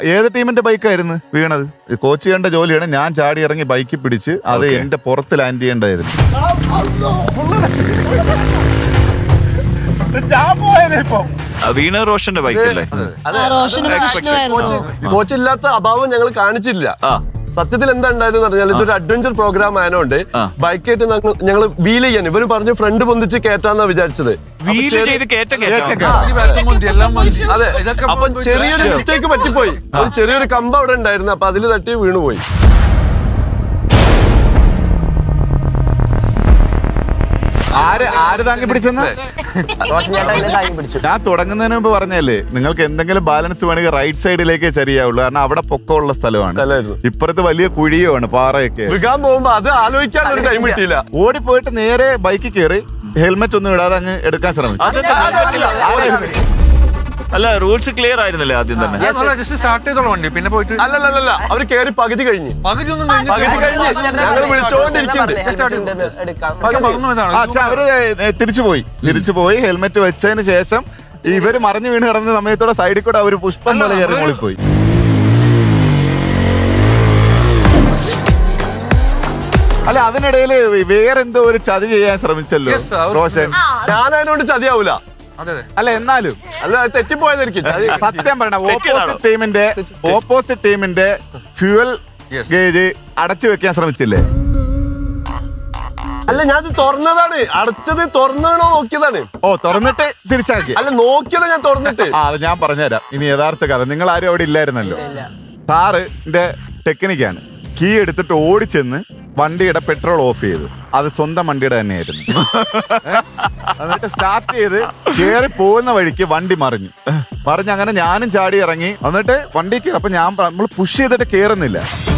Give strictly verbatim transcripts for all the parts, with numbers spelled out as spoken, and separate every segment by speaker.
Speaker 1: ഏത് ടീമിന്റെ ബൈക്കായിരുന്നു വീണത്? കോച്ച് ചെയ്യേണ്ട ജോലിയാണ്. ഞാൻ ചാടി ഇറങ്ങി ബൈക്ക് പിടിച്ച് അത് എന്റെ പുറത്ത് ലാൻഡ് ചെയ്യേണ്ടായിരുന്നു.
Speaker 2: വീണ റോഷന്റെ ബൈക്കല്ലേ?
Speaker 3: കോച്ചില്ലാത്ത അഭാവം ഞങ്ങൾ കാണിച്ചില്ല. സത്യത്തിൽ എന്താ ഉണ്ടായെന്ന് പറഞ്ഞാൽ ഇതൊരു അഡ്വഞ്ചർ പ്രോഗ്രാം ആയതുകൊണ്ട് ബൈക്കായിട്ട് ഞങ്ങൾ വീൽ ചെയ്യാൻ ഇവര് പറഞ്ഞു ഫ്രണ്ട് പൊന്തിച്ച് കയറ്റാന്നാ വിചാരിച്ചത്. അതെ, അപ്പൊ ചെറിയൊരു മിസ്റ്റേക്ക് പറ്റിപ്പോയി. ഒരു ചെറിയൊരു കമ്പ് അവിടെ ഉണ്ടായിരുന്നു, അപ്പൊ അതിൽ തട്ടി വീണുപോയി.
Speaker 1: ആര് ആര് താങ്ങി പിടിച്ചെന്ന് ഞാൻ തുടങ്ങുന്നതിന് മുമ്പ് പറഞ്ഞല്ലേ, നിങ്ങൾക്ക് എന്തെങ്കിലും ബാലൻസ് വേണമെങ്കിൽ റൈറ്റ് സൈഡിലേക്ക് ചരിയാവുള്ളൂ. കാരണം അവിടെ പൊക്കമുള്ള സ്ഥലമാണ്. ഇപ്പുറത്ത് വലിയ കുഴിയുമാണ്, പാറയൊക്കെ.
Speaker 3: വിൽക്കാൻ പോകുമ്പോ അത് ആലോചിക്കാൻ ഒരു ടൈം കിട്ടിയില്ല.
Speaker 1: ഓടിപ്പോയിട്ട് നേരെ ബൈക്കിൽ കയറി ഹെൽമെറ്റ് ഒന്നും ഇടാതെ അങ്ങ് എടുക്കാൻ ശ്രമിച്ചു.
Speaker 2: അല്ല, റൂൾസ് ക്ലിയർ ആയിരുന്നല്ലേ ആദ്യം തന്നെ?
Speaker 4: സ്റ്റാർട്ട് ചെയ്തോളൂ വണ്ടി, പിന്നെ പോയിട്ട്
Speaker 3: അല്ലല്ല അവര് കയറി പകുതി കഴിഞ്ഞ് പകുതി ഞങ്ങൾ വിളിച്ചോണ്ടിരിക്കുന്നുണ്ട്.
Speaker 1: അവര് തിരിച്ചുപോയി തിരിച്ചുപോയി ഹെൽമെറ്റ് വെച്ചതിന് ശേഷം ഇവര് മറിഞ്ഞു വീണ് കിടന്ന സമയത്തോടെ സൈഡിൽ കൂടെ അവര് പുഷ്പം പോലെ കയറി മോളിപ്പോയി. അല്ല, അതിനിടയിൽ വേറെന്തോ ഒരു ചതി ചെയ്യാൻ ശ്രമിച്ചല്ലോ റോഷൻ.
Speaker 3: ഞാൻ അതിനോട് ചതിയാവൂല.
Speaker 1: അല്ല, എന്നാലും
Speaker 3: അല്ല, തെറ്റിപ്പോയതായിരിക്കും.
Speaker 1: സത്യം പറയണ, ഓപ്പോസിറ്റ് ടീമിന്റെ ഓപ്പോസിറ്റ് ടീമിന്റെ ഫ്യൂവൽ ഗേജ് അടച്ചു വെക്കാൻ ശ്രമിച്ചില്ലേ?
Speaker 3: അല്ല, ഞാൻ തുറന്നതാണ്. അടച്ചത് തുറന്നോ നോക്കിയതാണ്.
Speaker 1: ഓ, തുറന്നിട്ട് തിരിച്ചാക്കി?
Speaker 3: അല്ല, നോക്കിയത് ഞാൻ തുറന്നിട്ട്.
Speaker 1: ആ, അത് ഞാൻ പറഞ്ഞുതരാം. ഇനി യഥാർത്ഥ കഥ. നിങ്ങൾ ആരും അവിടെ ഇല്ലായിരുന്നല്ലോ. സാറിന്റെ ടെക്നിക്കാണ്. കീ എടുത്തിട്ട് ഓടിച്ചെന്ന് വണ്ടിയുടെ പെട്രോൾ ഓഫ് ചെയ്തു. അത് സ്വന്തം വണ്ടിയുടെ തന്നെയായിരുന്നു. എന്നിട്ട് സ്റ്റാർട്ട് ചെയ്ത് കയറി പോകുന്ന വഴിക്ക് വണ്ടി മറിഞ്ഞു മറിഞ്ഞ് അങ്ങനെ ഞാനും ചാടി ഇറങ്ങി. എന്നിട്ട് വണ്ടി കയറി. അപ്പൊ ഞാൻ നമ്മൾ പുഷ് ചെയ്തിട്ട് കേറുന്നില്ല.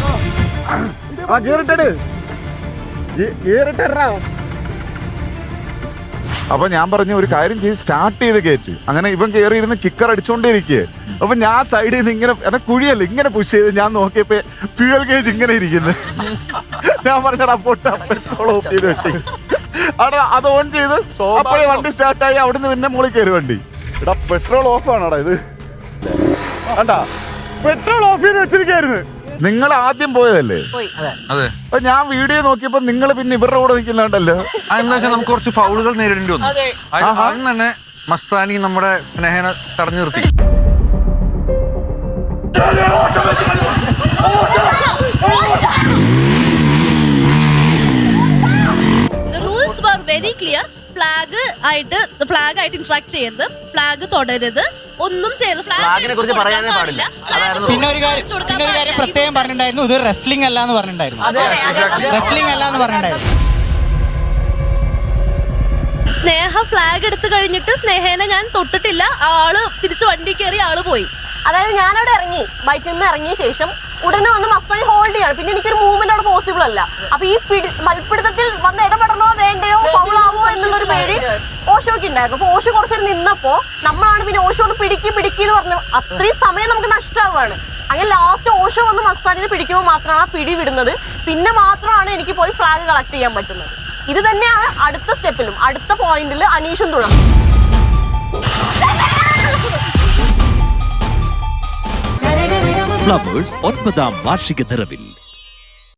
Speaker 1: അപ്പൊ ഞാൻ പറഞ്ഞു ഒരു കാര്യം ചെയ്ത് സ്റ്റാർട്ട് ചെയ്ത് കയറ്റി. അങ്ങനെ ഇവൻ കയറി ഇരുന്ന് കിക്കർ അടിച്ചോണ്ടിരിക്കുക. അപ്പൊ ഞാൻ സൈഡിൽ നിന്ന് ഇങ്ങനെ എന്നെ കുഴിയല്ല ഇങ്ങനെ പുഷ് ചെയ്ത് ഞാൻ നോക്കിയപ്പോ ഫ്യൂവൽ ഗേജ് ഇങ്ങനെ ഇരിക്കുന്നു. ഞാൻ പറഞ്ഞടാ പൊട്ട പെട്രോൾ ഓഫ് ചെയ്ത് വെച്ച് അവിടെ അത് ഓൺ ചെയ്ത് അപ്പോഴേ വണ്ടി സ്റ്റാർട്ടായി. അവിടുന്ന് പിന്നെ മുകളിൽ കയറി വണ്ടി. എടാ, പെട്രോൾ ഓഫ് ആണോടാ ഇത്? കണ്ടാ, പെട്രോൾ ഓഫ് ചെയ്ത് വെച്ചിരിക്കായിരുന്നു. നിങ്ങൾ ആദ്യം പോയതല്ലേ? അപ്പൊ ഞാൻ വീഡിയോ നോക്കിയപ്പോ നിങ്ങൾ പിന്നെ ഇവരുടെ കൂടെ നിൽക്കുന്നുണ്ടല്ലോ.
Speaker 4: അതെന്താ വെച്ചാൽ നമുക്ക് കുറച്ച് ഫൗളുകൾ നേരിടേണ്ടി വന്നു. ആദ്യം തന്നെ മസ്താനി നമ്മുടെ സ്നേഹനെ തടഞ്ഞു നിർത്തി.
Speaker 5: Rules were very clear. Flag ആയിട്ട് ഫ്ലാഗ് ആയിട്ട് ഇന്ററാക്ട് ചെയ്യരുത്, ഫ്ലാഗ് തൊടരുത്, ഒന്നും ചെയ്ത് ഫ്ലാഗിനെ കുറിച്ച് പറയാനേ പാടില്ല.
Speaker 6: പിന്നെ ഒരു കാര്യം പിന്നെ ഒരു കാര്യം പ്രത്യേകം പറഞ്ഞിട്ടുണ്ടായിരുന്നു, ഇത് റെസ്ലിംഗ് അല്ല എന്ന് പറഞ്ഞിട്ടുണ്ടായിരുന്നു. റെസ്ലിംഗ് അല്ല എന്ന് പറഞ്ഞിട്ടുണ്ടായിരുന്നു.
Speaker 5: സ്നേഹ ഫ്ലാഗ് എടുത്തു കഴിഞ്ഞിട്ട് സ്നേഹേനെ ഞാൻ തൊട്ടിട്ടില്ല. ആള് തിരിച്ച് വണ്ടി കയറി ആള് പോയി.
Speaker 7: അതായത് ഞാനവിടെ ഇറങ്ങി, ബൈക്കിൽ നിന്ന് ഇറങ്ങിയ ശേഷം ഉടനെ വന്ന് മസ്താനി ഹോൾഡ് ചെയ്യാണ്. പിന്നെ എനിക്കൊരു മൂവ്മെന്റ് അവിടെ പോസിബിൾ അല്ല. അപ്പൊ ഈ പിടി മൽപ്പിടുത്തത്തിൽ വന്ന് ഇടപെടണോ വേണ്ടയോ ഫൗളാവോ എന്നുള്ളൊരു പേടി ഓഷോക്ക് ഉണ്ടായിരുന്നു. അപ്പൊ ഓഷോ കുറച്ചേരം നിന്നപ്പോ നമ്മളാണ് പിന്നെ ഓഷോന്ന് പിടിക്കി പിടിക്കി എന്ന് പറഞ്ഞു. അത്രയും സമയം നമുക്ക് നഷ്ടമാവുകയാണ്. അങ്ങനെ ലാസ്റ്റ് ഓഷോ വന്ന് മസ്താനിനെ പിടിക്കുമ്പോൾ മാത്രമാണ് ആ പിടി വിടുന്നത്. പിന്നെ മാത്രമാണ് എനിക്ക് പോയി ഫ്ലാഗ് കളക്ട് ചെയ്യാൻ പറ്റുന്നത്. ഇത് തന്നെയാണ് അടുത്ത സ്റ്റെപ്പിലും അടുത്ത പോയിന്റിൽ അനീഷും തുടങ്ങും.
Speaker 8: ഫ്ലവേഴ്സ് ഒൻപതാം വാർഷിക നിറവിൽ